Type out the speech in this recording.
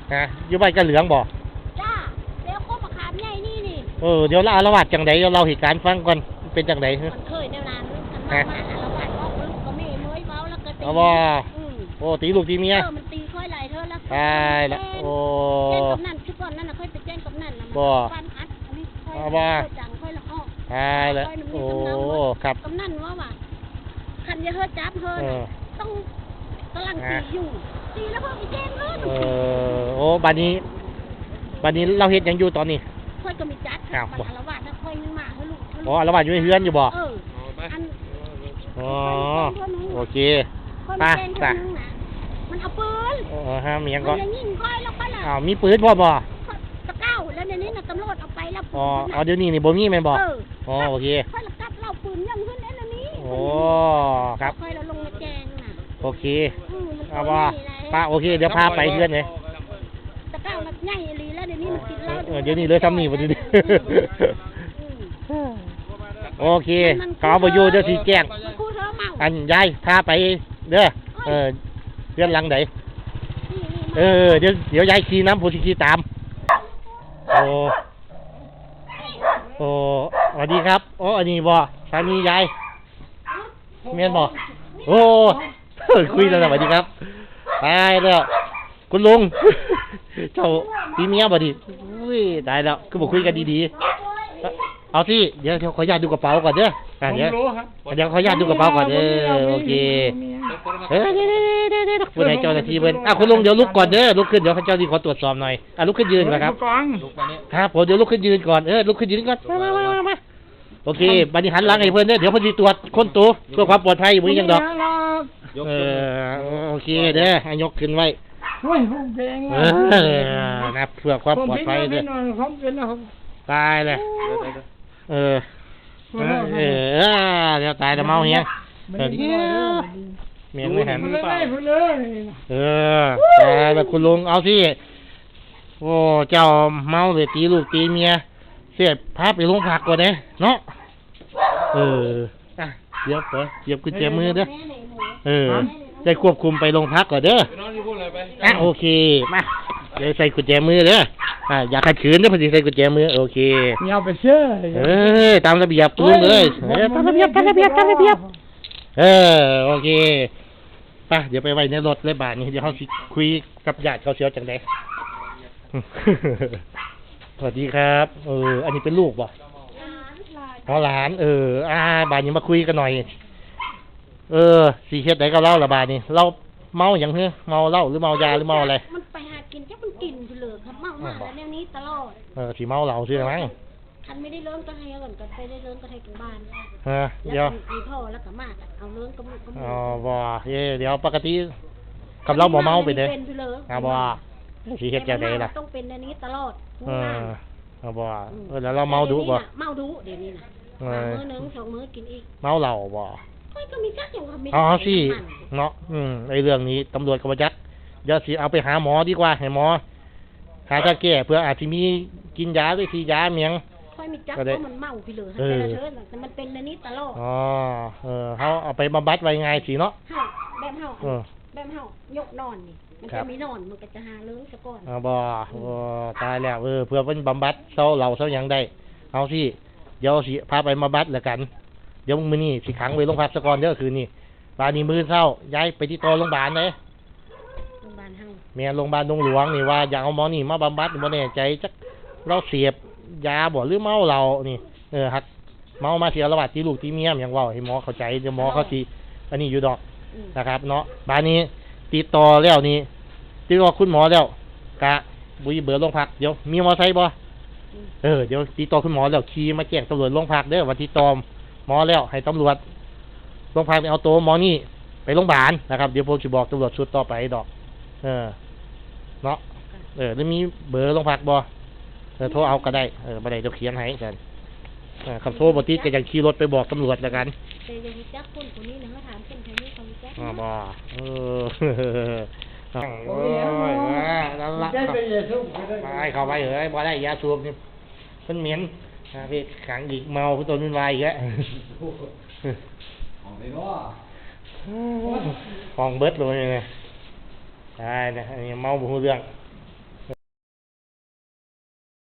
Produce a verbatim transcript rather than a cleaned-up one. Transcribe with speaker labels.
Speaker 1: นะอยู่ใบกระเหลืองบ่
Speaker 2: จ้าเดี๋ยวก็มาขามใหญ่นี่นี่
Speaker 1: เออเดี๋ยวเราอารวาสจังไดเราเหตุการณ์ฟังก่อนเป็นจังได
Speaker 2: มันเคยแนวนั้นมันมาอารวาสก็ลูกก็ไม่เมื่อยเมาแล้วก็ตี
Speaker 1: เอาบ่โอ้ตีลูกตีเมีย
Speaker 2: เออมันตีค่อยไหลเธอแล้ว
Speaker 1: ตายละโอ้
Speaker 2: แจ้งกับนั่นชุดก่อนนั่นน่ะค่อยไปแจ้งกับนั่นน่ะบ่ฟันอัดอันนี้ค่อยค่อยจังค่อยละอ้อ
Speaker 1: ตายละโอ้ครับ
Speaker 2: กับนั่นว่าว่าคันอย่าเฮอจับเฮอต้องกำลังตีอยู่ตีแล้วเพิ่งไปแจ้งเลย
Speaker 1: เออโอ้บัดนี้บัดนี้เราเฮ็ดหยังอยู่ตอนนี้
Speaker 2: ค่อยก็มีจัดครับมันอารวาสถ้าค่อยนึงมาให้ลูก
Speaker 1: อ๋ออารวาสอยู่ในเฮือนอยู่บ่
Speaker 2: เอออัน
Speaker 1: อ๋อโอเค
Speaker 2: ไปไปมันเอาปืน
Speaker 1: เออฮะมีหยังก่อน
Speaker 2: มันยิงค่อยแล้วค่อยล่ะ
Speaker 1: อ้าวมีปืนบ่บ่
Speaker 2: ตะเก้าแล้วในนี้น่ะตำรวจเอาไปแล้ว
Speaker 1: อ๋ออ๋อเดี๋ยวนี้นี่บ่มีแม่นบ่อ๋อโอเค
Speaker 2: ค่อยละกัดเล่าปืนยังขึ้นเอ็นนี้
Speaker 1: โอ้ครับ
Speaker 2: ค่อยเราลงมาแจ้งน่ะ
Speaker 1: โอเคเอาบ่ป้าโอเคเดี๋ยวพาไปเฮือนเลย
Speaker 2: ตะเก้ามันใหญ่ลีแล้วเดี๋ยวนี้มันกินเหล้า
Speaker 1: เออเดี๋ยวนี้เลยทำนี่บ่ดีโอเคขอบ่อยู่เดี๋ยวสิแจ้งอันยายพาไปเด้อเออเพื่อนหลังไหนเออเดี๋ยวเดี๋ยวยายขี่น้ำผู้ขี่ตามโอ้โอ้สวัสดีครับโอ้อันนี้บ่สามียายเมียนบ่โอ้คุยแล้วสวัสดีครับตายแล้วคุณลุงเจ้าตีเมียบ่ดิอุ้ยตายแล้วคือบอกคุยกันดีๆเอาที่เดี๋ยวขออนุญาตดูกระเป๋าก่อนเด้อเดี๋ยวเดี๋ยวขออนุญาตดูกระเป๋าก่อนเด้อโอเคเฮ้ยเดี๋ยวเดี๋ยวเดี๋ยวคุณนายเจ้าหน้าที่เบิ้ลอ่ะคุณลุงเดี๋ยวลุกก่อนเด้อลุกขึ้นเดี๋ยวข้าเจ้าที่ขอตรวจสอบหน่อยอ่ะลุกขึ้นยืนก่อนครับครับผมเดี๋ยวลุกขึ้นยืนก่อนเออลุกขึ้นยืนก่อนมามามามาโอเคบัดนี้หันหลังให้เพื่อนเด้อเดี๋ยวเพิ่นสิตรวจคนตัวเพื่อความปลอดภัยบ่มีหยังดอกเออโอเคเด้อให้ยกขึ้นไว้
Speaker 3: โอ้ยผมเก่ง
Speaker 1: เออนะเพื่อความปลอดภัยเด้อตายเลยเออเออเออเดี๋ยวตายจะเมาเฮียเดี๋ยวเมียงไม่หันเออแต่แบบคุณลุงเอาสิโอ้เจ้าเมาเลยตีลูกตีเมียเสียพาไปโรงพักก่อนเด้เนาะเอออ่ะเดี๋ยวเปิดเดี๋ยวกุญแจมือเด้อเออได้ควบคุมไปโรงพักก่อนเด้ออ่ะโอเคมาเดี๋ยวใส่กุญแจมือเด้ออ่ะอยากขัดขืนเด้อพอดีใส่กุญแจมือโอเค
Speaker 3: อย่าไปเชื่อ
Speaker 1: เออตามระเบียบลุงเลยเออตามระเบียบตามระเบียบตามระเบียบเออโอเคป่ะเดี๋ยวไปไว้ในรถเลยบาทนี้เดี๋ยวเขาคุยกับญาติเขาเชียวจังไดสวัสดีครับเอออันนี้เป็นลูกบ่อ๋อหลานเอออ่าบาทนี้มาคุยกันหน่อยเออสีเฮ็ดไหนก็เล่าละบาทนี้เราเมาอย่างเฮ้ยเมาเหล้าหรือเมายาหรือเมาอะไร
Speaker 2: มันไปหากินแค่มันกินไปเลยครับเมามาแล้วแนวนี้ตลอด
Speaker 1: เออสีเมาเหล้าใช่ไหม
Speaker 2: คันไม่ได้เลิ้งก็ให้ก่อนก็ไปได้เลิ้งก็ให้กันบ้าน
Speaker 1: เออเดี๋ยว
Speaker 2: มีพ่อแล้วก็มากเอาเลิ้งก็มือก็มือ
Speaker 1: อ๋อบ่เย่เดี๋ยวปกติกับเราบ่เมาไปเด้อ่าบ่สีเฮ็ดจังไดล่ะ
Speaker 2: ต้องเป็นอันนี้ตลอด
Speaker 1: เออเอาบ่เออแล้วเราเมาดุบ่
Speaker 2: เมาดุเดี๋ยวนี้นะมื้อนึงสองมื้อกินอีก
Speaker 1: เมาเหล้าบ่
Speaker 2: ก็มีจักอย่างว่ามี
Speaker 1: อ๋อสิเนาะอืมไอ้เรื่องนี้ตำรวจก็บ่จักเดี๋ยวสิเอาไปหาหมอดีกว่าให้หมอหาทางแก้เพื่ออาจสิมีกินยาด้วยสิยาเมียง
Speaker 2: ค่อยมีจักเพราะมันเมาไปเลยแต่ละเชิญแต่มันเป็นอันนี้ตลอด
Speaker 1: อ๋อเออเฮาเอาไปบำบัดไว้ไงสิเนาะ
Speaker 2: เฮาแบบเฮาแบบเฮายกนอนนี่มันจะมีนอนมันก็จะหาเลิ้งซะก่อน
Speaker 1: อ๋อบ่โอ้ตายแล้วเออเพื่อเพิ่นบำบัดเซาเหล้าเซาหยังได้เอาสิเดี๋ยวสิพาไปบำบัดแล้วกันเดี๋ยวมื้อนี้สิขังไว้โรงพักซะก่อนเด้อคืนนี้บาดนี้มื้อเช้าย้ายไปที่ต่อโรงพยาบาลเด้
Speaker 2: โรงพยาบาลเฮา
Speaker 1: แม่โรงพยาบาลดงหลวงนี่ว่าอยากเอาหมอนี่มาบำบัดบ่แน่ใจจักเราเสพยาบ่หรือเมาเหล้านี่เออฮักเมามาเสียระบาดตีลูกตีเมียอย่างเว้าให้หมอเข้าใจเดี๋ยวหมอเขาสิอันนี้อยู่ดอกนะครับเนาะบาดนี้ติดต่อแล้วนี่ติดต่อคุณหมอแล้วกะบุยเบอร์โรงพักเดี๋ยวมีมอไซค์บ่เออเดี๋ยวติดต่อคุณหมอแล้วขี่มาแจ้งตำรวจโรงพักเด้อว่าติดต่อหมอแล้วให้ตำรวจโรงพักไปเอาตัวหมอนี่ไปโรงพยาบาลนะครับเดี๋ยวผมจะบอกตำรวจชุดต่อไปดอกเออเนาะเออแล้วมีเบอร์โรงพักบ่เออโทรเอาก็ได้เออบ่ได้เดี๋ยวเขียนให้กันเออคำโทรบ่ติดก็ยังขี่รถไปบอกตำรวจแล้วกัน
Speaker 2: แต่ยังมีจักคนคนนี้นะเขาถามคนคนนี้เขามีจัก
Speaker 1: อ๋อบ่เออโอ้ยนั่นละไปเข้าไปเอ้ยบ่ได้ยาสูบนี่เพิ่นเหม็นนะพี่ขังอีกเมาผู้ตนวุ่นวายอีกแล้วของเลยเนาะของเบิดเลยไงใช่นะอันนี้เมาบ่ฮู้เรื่อง